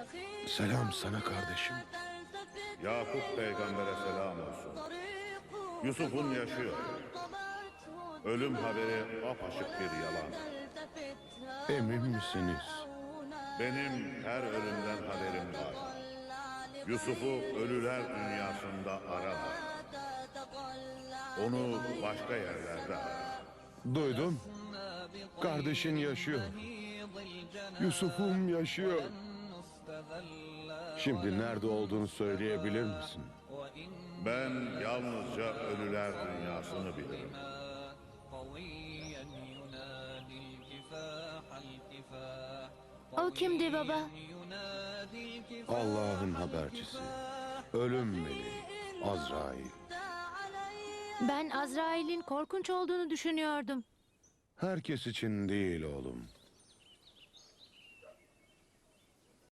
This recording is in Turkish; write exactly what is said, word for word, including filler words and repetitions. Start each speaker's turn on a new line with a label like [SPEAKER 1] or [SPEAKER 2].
[SPEAKER 1] Selam sana kardeşim.
[SPEAKER 2] Yakup peygambere selam olsun. Yusuf'un yaşıyor. Ölüm haberi apaçık bir yalan.
[SPEAKER 1] Emin misiniz?
[SPEAKER 2] Benim her ölümden haberim var. Yusuf'u ölüler dünyasında arama. Onu başka yerlerde ara.
[SPEAKER 1] Duydum. Kardeşin yaşıyor. Yusuf'um yaşıyor. Şimdi nerede olduğunu söyleyebilir misin?
[SPEAKER 2] Ben yalnızca ölüler dünyasını bilirim.
[SPEAKER 3] O kimdi baba?
[SPEAKER 1] Allah'ın habercisi. Ölüm meleği. Azrail.
[SPEAKER 3] Ben Azrail'in korkunç olduğunu düşünüyordum.
[SPEAKER 1] Herkes için değil oğlum.